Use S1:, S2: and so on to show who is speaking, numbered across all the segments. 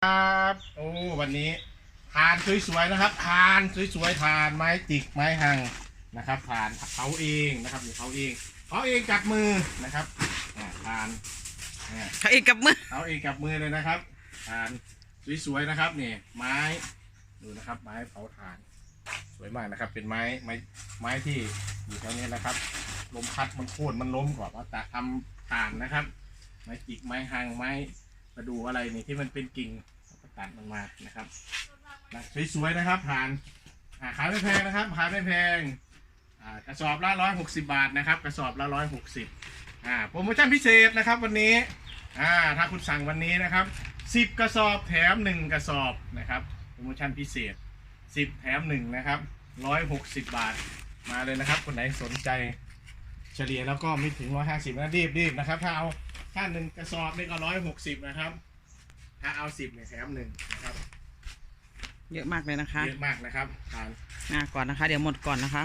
S1: ครับโอ้วันนี้ทานสวยๆนะครับทานสวยๆทานไม้จิกไม้หังนะครับทานเขาเองนะครับนี่เขาเองกับมือนะครับทาน
S2: เขาเองกับมือ
S1: เขาเองกับมือเลยนะครับทานสวยๆนะครับนี่ไม้ดูนะครับไม้เผาถ่านสวยมากนะครับเป็นไม้ที่อยู่แถวนี้นะครับลมพัดมันโค่นมันล้มก่อนว่าจะทำถ่านนะครับไม้จิกไม้หังไม้ประดูอะไรนี่ที่มันเป็นกิ่งตัดมันมานะครับสวยๆนะครับผ่านขายไม่แพงนะครับขายไม่แพงกระสอบละ160 บาทนะครับกระสอบละ160โปรโมชั่นพิเศษนะครับวันนี้ถ้าคุณสั่งวันนี้นะครับ10กระสอบแถม1กระสอบนะครับโปรโมชั่นพิเศษ10แถม1นะครับ160 บาทมาเลยนะครับคนไหนสนใจเฉลี่ยแล้วก็ไม่ถึง150นะรีบนะครับถ้าเอา1กระสอบนี่ก็160นะครับถ้าเอา10เนี่ยแถม1นะครับ
S2: เยอะมากเลยนะคะ
S1: เยอะมากนะครับทาน
S2: ก่อนนะคะเดี๋ยวหมดก่อนนะคะ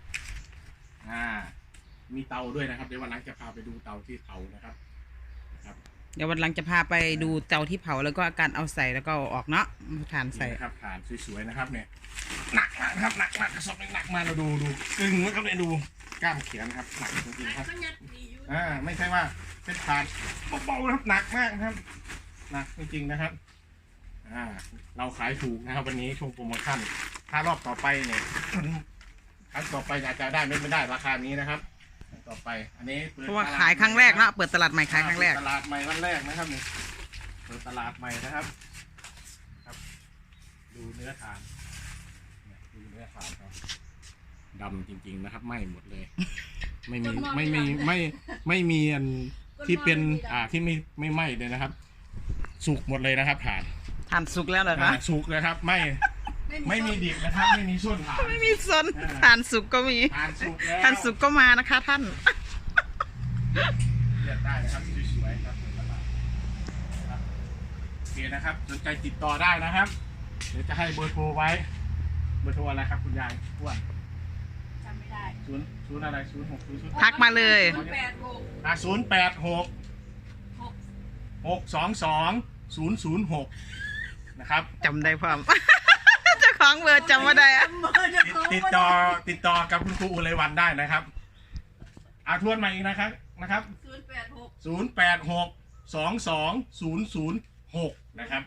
S1: มีเตาด้วยนะครับเดี๋ยววันหลังจะพาไปดูเตาที่เผานะครับ
S2: เดี๋ยววันหลังจะพาไปดูเตาที่เผาแล้วก็การเอาใส่แล้วก็ออกเนาะถ่านใส่
S1: ครับถ่านสวยๆนะครับเนี่ยหนักนะครับหนักกระสอบหนักมาเราดูกึ่งนะครับเนี่ยดูกล้ามเขียนครับหนักจริงๆครับไม่ใช่ว่าเป็นถ่านเบาๆนะครับหนักมากนะครับหนักจริงๆนะครับเราขายถูกนะครับวันนี้ช่วงโปรโมชั่นถ้ารอบต่อไปเนี่ยครั้งต่อไปอาจจะได้ไม่ได้ราคานี้นะครับต่อไปอันนี้
S2: เพราะว่าขายครั้งแรกเนาะเปิดตลาดใหม่ขายครั้งแรก
S1: ตลาดใหม่วันแรกนะครับนี่เปิดตลาดใหม่นะครับดูเนื้อทานดูเนื้อทานครับดำจริงๆนะครับไหม้หมดเลยไม่มีอันที่เป็นที่ไม่ไหม้เลยนะครับสุกหมดเลยนะครับถ่าน
S2: สุกแล้วเหรอคะ
S1: สุกเลยครับไม่มีดิบนะครับไม่มีส้นถ่าน
S2: ไม่มีส้นถ่านสุกก็มีถ่านสุกก็มานะคะท่าน
S1: เลือกได้นะครับสวยๆครับตลาดโอเคนะครับสนใจติดต่อได้นะครับเดี๋ยวจะให้เบอร์โทรไว้เบอร์โทรอะไรครับคุณยายอ้วน
S3: จำไม่ได้
S1: ศูนย์อะไร0600
S2: ทักมาเลย
S1: 086 622 006นะครับ
S2: จำได้พร้อมเจ้าของเบอร์จำไม่ได้
S1: ติดต่อกับคุณครูอุไรวันได้นะครับทวนมาอีกนะครับ086 22 006นะครับ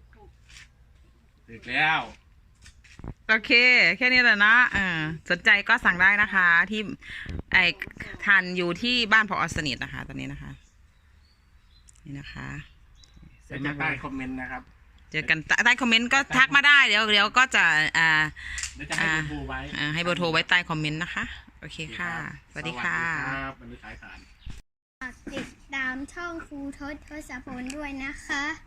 S1: ติดแล้ว
S2: โอเคแค่นี้แหละนะสนใจก็สั่งได้นะคะที่ทานอยู่ที่บ้านพอสนิทนะคะตอนนี้นะคะนี่นะคะ
S1: เดี๋ยวจะใต้คอมเมนต์นะครับ
S2: เจอกันใต้คอมเมนต์ก็ทักมาได้เดี๋ยวก็จะ
S1: เดี๋ยวจะให้เบอร์โทรไว้
S2: ให้เบอร์โทรไว้ใต้คอมเมนต์นะคะโอเคค่ะสวัสดีค่ะ
S1: วันนี้ขายฐาน
S3: ติดตามช่องครูทศพลด้วยนะคะ